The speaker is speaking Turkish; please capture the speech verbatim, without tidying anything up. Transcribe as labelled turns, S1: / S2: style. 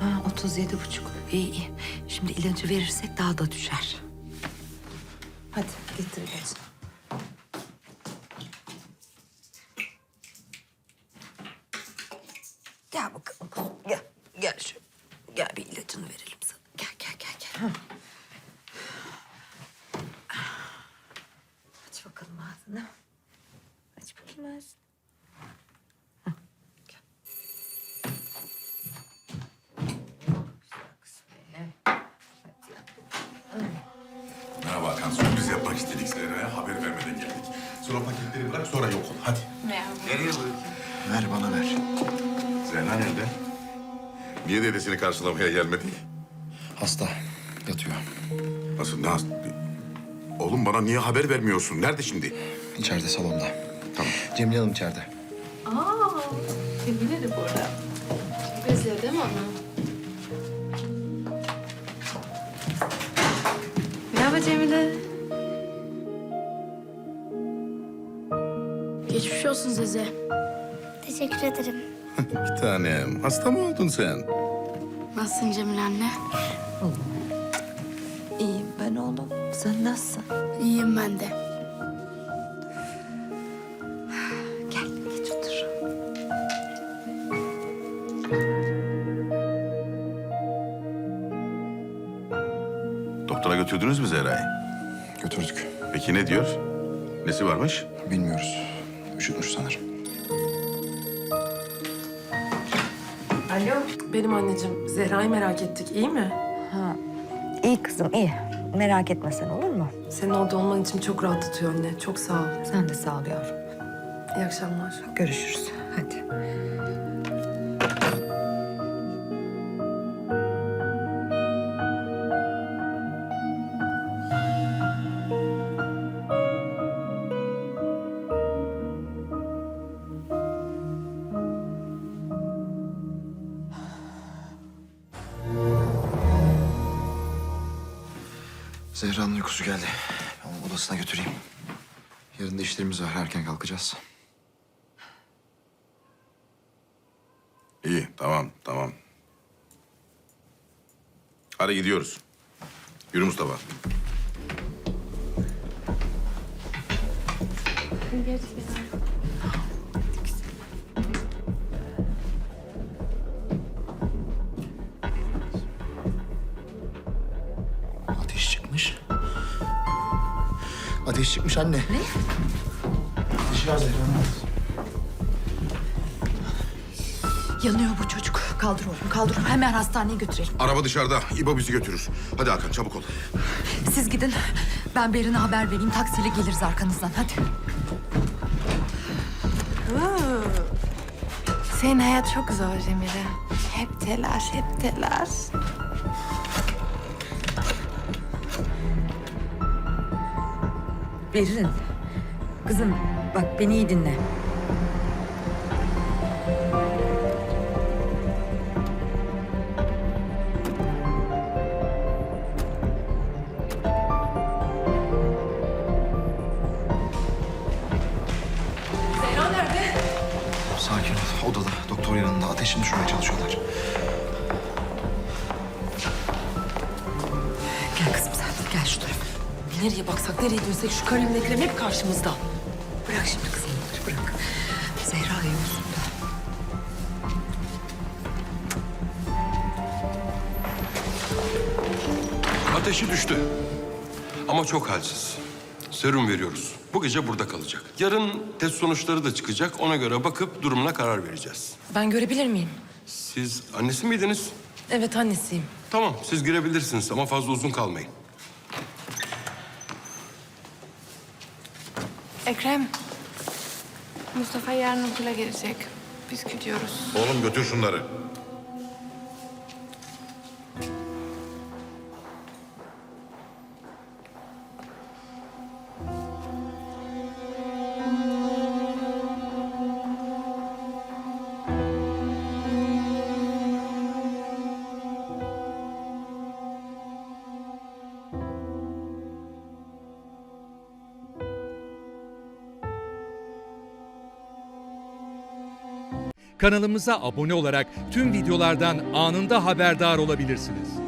S1: Ha, otuz yedi buçuk. İyi iyi. Şimdi ilacı verirsek daha da düşer. Hadi getir ilacı. Gel bakalım kuzum. Gel. Gel şu. Gel bir ilacını verelim sana. Gel gel gel gel. Aç bakalım ağzını. Aç bakayım ağzını. Hı, gel.
S2: Merhaba Hakan. Sürpriz yapmak istedik Zehra'ya. Haber vermeden geldik. Sonra paketleri bırak, sonra yok ol. Hadi. Nereye bırakayım?
S3: Ver bana ver.
S2: Zehra nerede? Niye dedesini karşılamaya gelmedi?
S3: Hasta. Yatıyor.
S2: Nasıl? Nasıl? Oğlum bana niye haber vermiyorsun? Nerede şimdi?
S3: İçeride salonda.
S2: Tamam.
S3: Cemile Hanım içeride.
S4: Aa, Cemile de burada. Özledim onu. Merhaba Cemile.
S5: Geçmiş olsun Zeze.
S6: Teşekkür ederim.
S2: Bir tanem. Hasta mı oldun sen?
S5: Nasılsın Cemile anne?
S1: İyiyim ben oğlum. Sen nasılsın?
S5: İyiyim ben de.
S1: Gel geç otur.
S2: Doktora götürdünüz mü Zehra'yı?
S3: Götürdük.
S2: Peki ne diyor? Nesi varmış?
S3: Bilmiyoruz. Üşütmüş sanırım.
S7: Alo, benim anneciğim. Zehra'yı merak ettik, iyi mi?
S1: Ha, iyi kızım iyi. Merak etme sen olur mu?
S7: Senin orada olman için çok rahatlatıyor anne. Çok sağ ol.
S1: Sen de sağ ol yavrum.
S7: İyi akşamlar.
S1: Görüşürüz. Hadi.
S3: Zehra'nın uykusu geldi. Ben onu odasına götüreyim. Yarın da işlerimiz var. Erken kalkacağız.
S2: İyi, tamam, tamam. Hadi gidiyoruz. Yürü Mustafa.
S3: Ateş çıkmış. Ateş çıkmış anne. Ne? Ateşi var Zehra'nın.
S1: Yanıyor bu çocuk. Kaldır oğlum kaldır. Hemen hastaneye götürelim.
S2: Araba dışarıda. İbo bizi götürür. Hadi Hakan çabuk ol.
S1: Siz gidin. Ben Berin'e haber vereyim. Taksiyle geliriz arkanızdan. Hadi.
S4: Senin hayat çok zor Cemile. Hep telaş, hep telaş.
S1: Berin. Kızım bak beni iyi dinle.
S3: Sakin ol. Odada. Doktor yanında. Ateşini düşürmeye çalışıyorlar.
S1: Gel kızım sen. Gel şu tarafa.
S7: Nereye baksak, nereye dönsek şu Karim'le Ekrem hep karşımızda.
S1: Bırak şimdi kızım bunları bırak. Zehra iyi olsun da.
S8: Ateşi düştü. Ama çok halsiz. Serum veriyoruz. Bu gece burada kalacak. Yarın test sonuçları da çıkacak. Ona göre bakıp durumuna karar vereceğiz.
S7: Ben görebilir miyim?
S8: Siz annesi miydiniz?
S7: Evet annesiyim.
S8: Tamam, siz girebilirsiniz ama fazla uzun kalmayın.
S4: Ekrem, Mustafa yarın okula gelecek. Biz gidiyoruz.
S2: Oğlum götür şunları.
S9: kanalımıza abone olarak tüm videolardan anında haberdar olabilirsiniz.